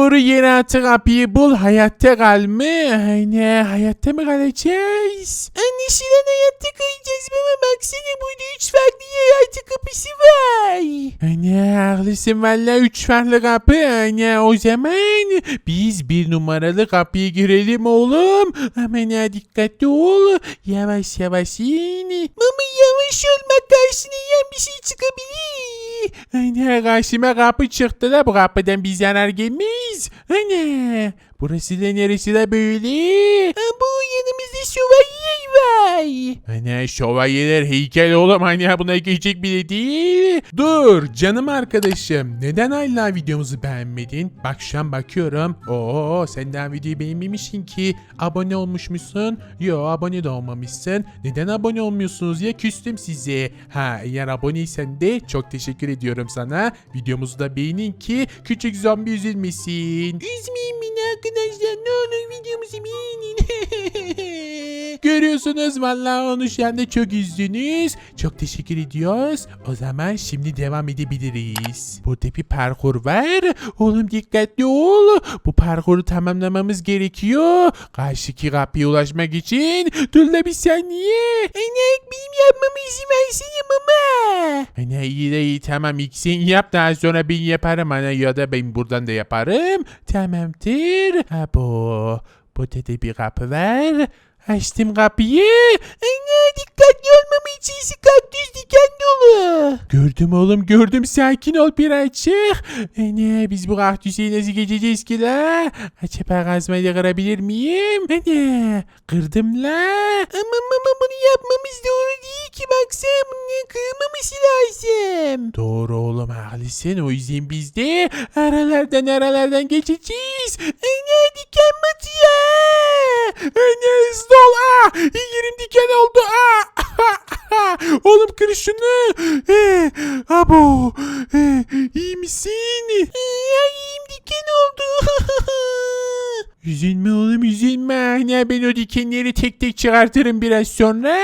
Doğru yere atı kapıyı bul. Hayatta kal mı? Aynen hayatta mı kalacağız? Anlaşılan hayatta kalacağız baba, baksana burada 3 farklı hayatı kapısı var. Aynen haklısın valla 3 farklı kapı. Aynen o zaman biz 1 numaralı kapıya girelim oğlum. Aman ha dikkatli ol. Yavaş yavaş in. Mama yavaş ol, bak karşına yiyen bir şey çıkabilir. Aynen karşıma kapı çıktı da bu kapıdan bir zarar gelmez. Aynen. Burası da neresi de böyle? Bu yanımızda şövalye var. Hani şövalyeler heykel oğlum hani buna geçecek bile değil. Dur canım arkadaşım neden hala videomuzu beğenmedin? Bak şu an bakıyorum. Oo sen daha videoyu beğenmemişsin ki. Abone olmuşmuşsun. Yo abone de olmamışsın. Neden abone olmuyorsunuz ya küstüm size. Ha eğer aboneysen de çok teşekkür ediyorum sana. Videomuzu da beğenin ki küçük zombi üzülmesin. Üzmeyin beni arkadaşlar, ne olur videomuzu beğenin. Görüyorsunuz vallahi onu şu anda çok üzdünüz. Çok teşekkür ediyoruz. O zaman şimdi devam edebiliriz. Burada bir parkur var. Oğlum dikkatli ol. Bu parkuru tamamlamamız gerekiyor. Karşıki kapıya ulaşmak için. Dur da bir saniye. Enek benim yapmamı izin versene mama. Ana iyi de iyi tamam ilk sen yap daha sonra ben yaparım ana ya da ben buradan da yaparım. Tamamdır. Ha bu. Burada da bir kapı var. Açtım kapıyı. Ana dikkatli olmamı için kaktüs diken dolu. Gördüm oğlum gördüm sakin ol birazcık. Ana biz bu kaktüsü nasıl geçeceğiz ki la? Acaba kazmayla kırabilir miyim? Ana kırdım la. Ama mama bunu yapmamız doğru değil ki, baksana bunun kırmaması lazım. Doğru oğlum haklısın o yüzden biz de aralardan geçeceğiz. Ana diken batıyor. Ana hızlı ol. Yerim diken oldu. Oğlum kır şunu. Abo. İyi misin? İyiyim, diken oldu. Üzülme oğlum üzülme. Hani ben o dikenleri tek tek çıkartırım biraz sonra.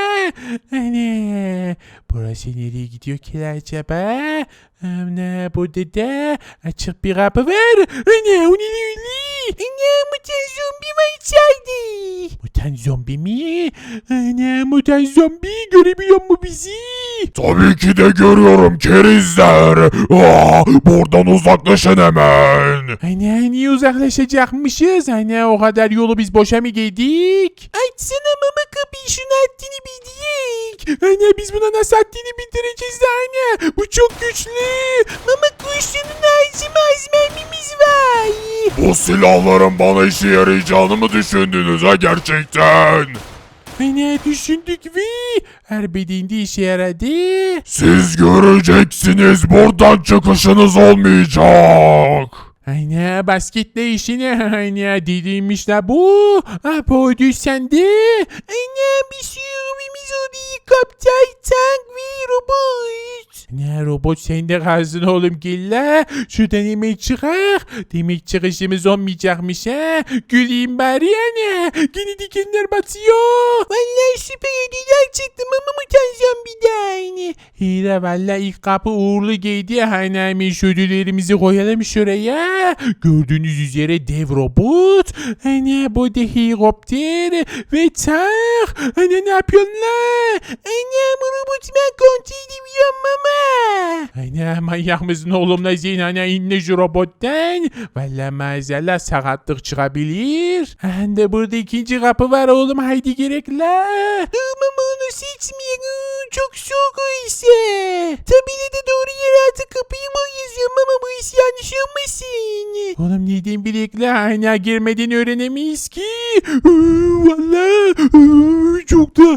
Hani burası nereye gidiyor ki acaba? Ana burada da açık bir kapı var. Ana o ne öyle? Ana mutant zombi var içeride. Mutant zombi mi? Ana mutant zombi görebiliyor mu bizi? Tabii ki de görüyorum kerizler. Buradan uzaklaşın hemen. Ana niye uzaklaşacakmışız? Ana o kadar yolu biz boşa mı geldik? Açsana mama kapıyı, şunu haddini bildik. Ana biz buna nasıl haddini bildireceğiz ana? Bu çok güçlü. Mama kurşunun ağzıma az mermimiz var. Bu silahların bana işe yarayacağını mı düşündünüz ha gerçekten? Ana düşündük ve her bedeninde işe yaradı. Siz göreceksiniz, buradan çıkışınız olmayacak. Ana basketle işine ana dediğimmiş la bu. Apoydü sende. Ana bir sürü robimiz oldu. Kaptay, tank ve robot. Ne robot sende kalsın oğlum gel la. Şuradan yemek çıkar. Demek çıkışımız olmayacakmış ha. Güleyim bari yani. Yine dikenler batıyor. Vallahi süper ödüller çıktı mama mutant zombiden. İyi de valla ilk kapı uğurlu giydi. Hani hemen şu ödüllerimizi koyalım şuraya. Gördüğünüz üzere dev robot. Hani bu da helikopter ve tank. Hani ne yapıyorsun la? Ana bu robotu ben kontrol edebiliyorum mama. Hani manyak mısın oğlum la Zeyn? Hani inle şu robottan. Valla maazallah sakatlık çıkabilir. Hani burada ikinci kapı var oğlum. Haydi gerek la. Dur mama onu seçmiyorum. Çok soğuk o ise. Tabii de doğru yere artık kapıyı mı yazıyorum ama bu iş yanlış olmasın. Oğlum neden bilekle hala girmeden öğrenemeyiz ki. Valla çok da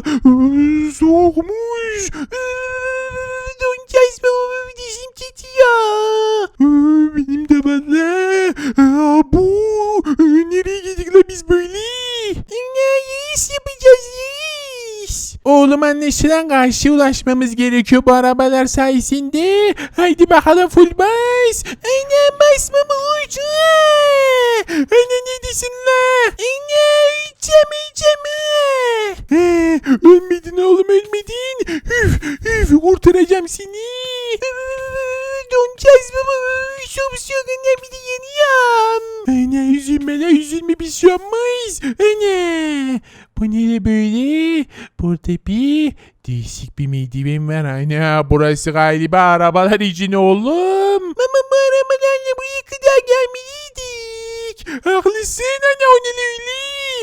soğukmuş. Donacağız baba, dişim titriyor. Benim de valla. Bu nereye gittik la biz böyle? Ne iş yapacağız iş? Oğlum anlaşılan karşıya ulaşmamız gerekiyor bu arabalar sayesinde. Haydi bakalım full bas. Ana basma mı ucu? Ana ne diyorsun la? Ana içeceğim. Ölmedin oğlum ölmedin. Üf kurtaracağım seni. Donacağız baba. Çok soğuk, bir de yanıyorum. üzülme la üzülme bir şey olmaz. Ana. Bu ne böyle? Burada bir değişik bir merdiven var. Ana burası galiba arabalar için oğlum. Mama bu arabalarla buraya kadar gelmeliydik. Haklısın ana o ne öyle?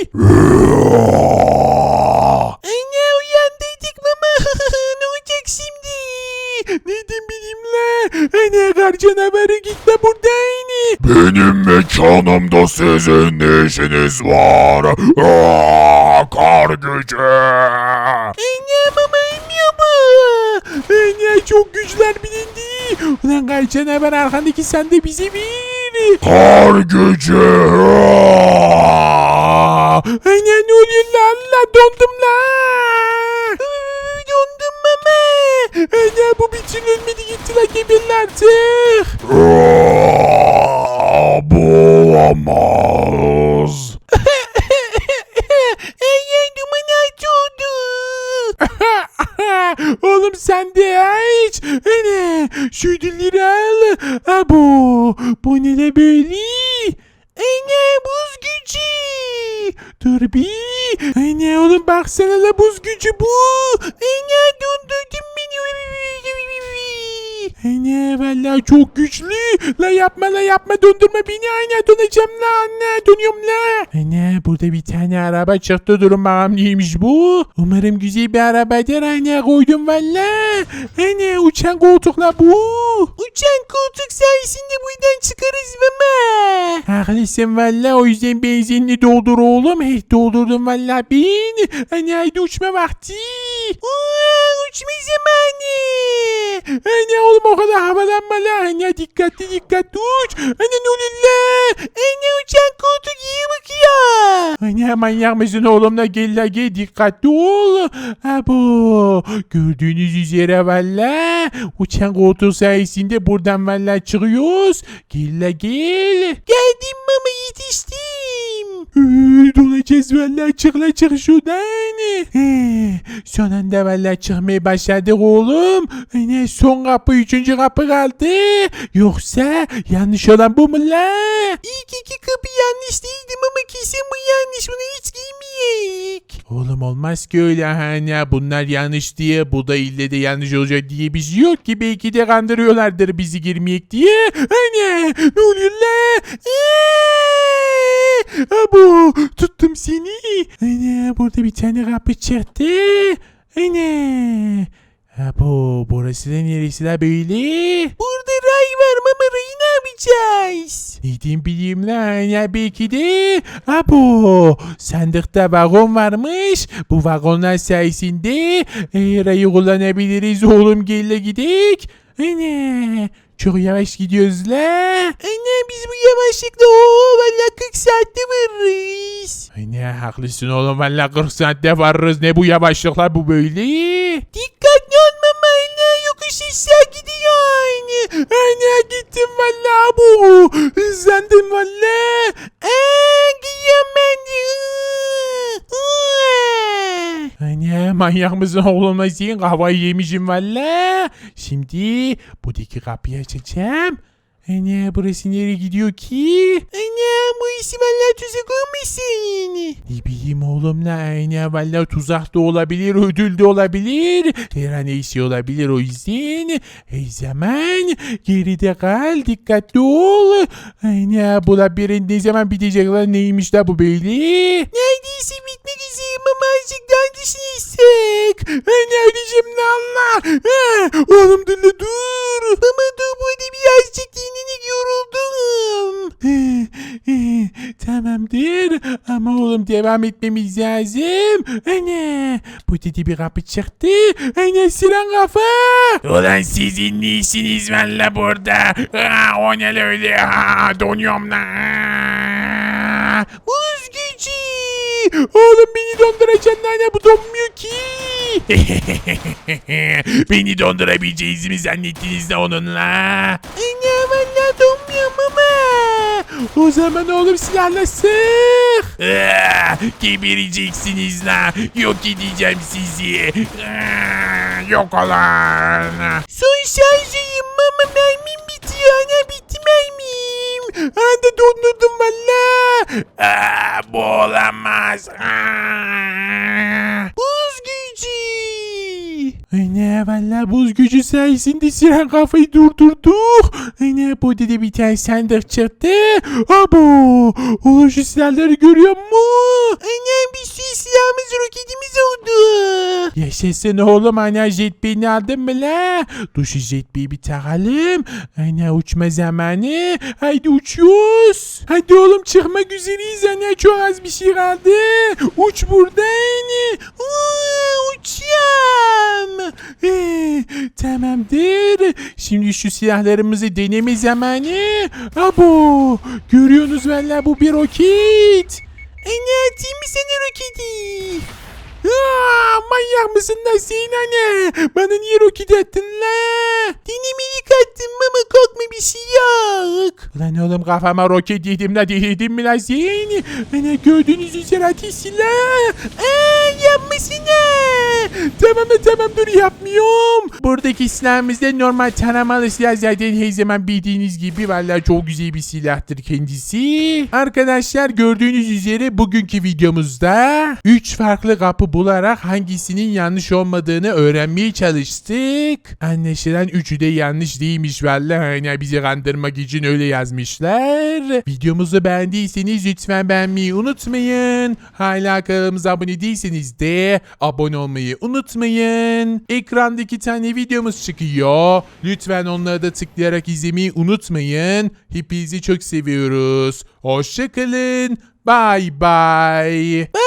Anne uyandırdık mama. Ne olacak şimdi? Neden bileyim la? Ana kar canavarı gitme buradayım. Benim mekanımda sizin ne işiniz var? Kar gücü. Anne mama inmiyor bu. Ana çok güçler bilindi. Ulan kar canavar arkandaki sen de bizi bir. Kar gücü. Ana ne oluyor la Allah dondum la. Dondum mama. Ana bu bir türlü ölmedi gitti la gebirli artık. Bu olamaz. Anne duman altı oldu. Oğlum sen de aç. Ana şu ödülleri al. Abo bu ne de böyle? Anne buz gücü. Dur bir. Ana oğlum baksana la buz gücü bu. Anne dondurdun beni. Ana vallahi çok güçlü. La yapma dondurma beni ana donacağım la anne donuyorum la. Ana burada bir tane araba çıktı durun bakalım neymiş bu. Umarım güzel bir arabadır ana koydum valla. Ana uçan koltukla bu. Uçan koltuk sayesinde buradan çıkarız mama. Haklısın valla o yüzden benzinini doldur oğlum. Doldurdum valla bin. Ana haydi uçma vakti. Uçma zamanı. Ana oğlum o kadar havalanma la. Ana dikkatli uç. Ana ne oluyor la? Anne uçan koltuk iyi bakıyor. Ana manyak mısın oğlum la gel dikkatli ol. Abo gördüğünüz üzere valla uçan koltuğu sayesinde buradan valla çıkıyoruz. Gel. Geldim mama yetiştim. Dolacağız valla çık şuradan. Son anda valla çıkmaya başladık oğlum. Son kapı 3. kapı kaldı. Yoksa yanlış olan bu mu la? İlk iki kapı yanlış değildi ama kesin bu yanlış. Bunu hiç giymeyek. Oğlum olmaz ki öyle hani bunlar yanlış diye bu da ille de yanlış olacak diye bir şey yok ki belki de kandırıyorlardır bizi girmeyek diye. Hani ne oluyor la? Abo tuttum seni. Hani burada bir tane kapı çıktı. Hani. Abo burası da neresi la böyle? Burada ray var mama rayı ne yapacağız? Neden bileyim lan ya belki de. Abo sandıkta vagon varmış. Bu vagonlar sayesinde rayı kullanabiliriz oğlum gel gidek. Ana çok yavaş gidiyoruz la. Anne biz bu yavaşlıkla valla 40 saatte varırız. Ana haklısın oğlum valla 40 saatte varırız ne bu yavaşlıklar bu böyle. Dikkatli ol mama anne yokuş aşağı gidiyor. Ana gittim valla bu. Hızlandım valla. Giyiyorum ben de. Ana manyak mısın oğlum sen kafayı yemişim valla. Şimdi buradaki kapıyı açacağım. Ana burası nereye gidiyor ki? Anne bu işi valla tuzak olmasın. Ne bileyim oğlum la ana valla tuzak da olabilir ödül de olabilir. Her an iyisi olabilir o yüzden. Her zaman geride kal dikkatli ol. Ana bu labirent ne zaman bitecek lan neymiş la bu böyle? Neredeyse bitmek üzere mama azıcık daha düşünürsek. Ana öleceğim la Allah. Oğlum dur la dur. Mama dur burada birazcık dinlenik yoruldum. Tamamdır ama oğlum devam etmemiz lazım. Ana bu dedi bir kapı çıktı. Ana siren kafa. Ulan sizin ne işiniz var la burada? O ne öyle? Donuyorum la. Buz gücü. Oğlum beni donduracaksın ana bu donmuyor ki. Beni dondurabileceğinizi mi zannettiniz de onunla? Anne valla donmuyor mama. O zaman oğlum silahla sık. Gebereceksiniz la. Yok edeceğim sizi. Yok olan. Son şarjıyım mama mermim bitiyor ana bitti mermim. Anda dondurdum valla. Bu olamaz. Buz gücü. Ana valla buz gücü sayesinde siren kafayı durdurduk. Ana bu da bir tane sandık çıktı. Abo. Oğlum şu silahları görüyor musun? Annem bir sürü silahımız roketimiz oldu. Yaşasın oğlum ana jetpack'ini aldın mı la? Dur şu jetpack'i bir takalım. Ana uçma zamanı. Haydi uçuyoruz. Hadi oğlum çıkmak üzereyiz ana. Çok az bir şey kaldı. Uç buradan. Uçacağım. Tamamdır. Şimdi şu silahlarımızı deneme zamanı. Abo. Görüyorsunuz valla bu bir roket. Anne atayım mı sana roketi? Manyak mısın lan sen anne? Bana niye roket attın la? Dinamik attım ama korkma bir şey yok. Lan oğlum kafama roket yedim la dedim mi lan sen? Bana gördüğünüz üzere ateş silah. Yapmasına. Tamam dur yapmıyorum. Buradaki silahımız da normal taramalı silah zaten her zaman bildiğiniz gibi vallahi çok güzel bir silahtır kendisi. Arkadaşlar gördüğünüz üzere bugünkü videomuzda 3 farklı kapı bularak hangisinin yanlış olmadığını öğrenmeye çalıştık. Anlaşılan üçü de yanlış değilmiş vallahi. Hani bizi kandırmak için öyle yazmışlar. Videomuzu beğendiyseniz lütfen beğenmeyi unutmayın. Hala kanalımıza abone değilseniz de abone olmayı unutmayın. Ekranda 2 tane videomuz çıkıyor. Lütfen onları da tıklayarak izlemeyi unutmayın. Hepinizi çok seviyoruz. Hoşça kalın. Bye bye.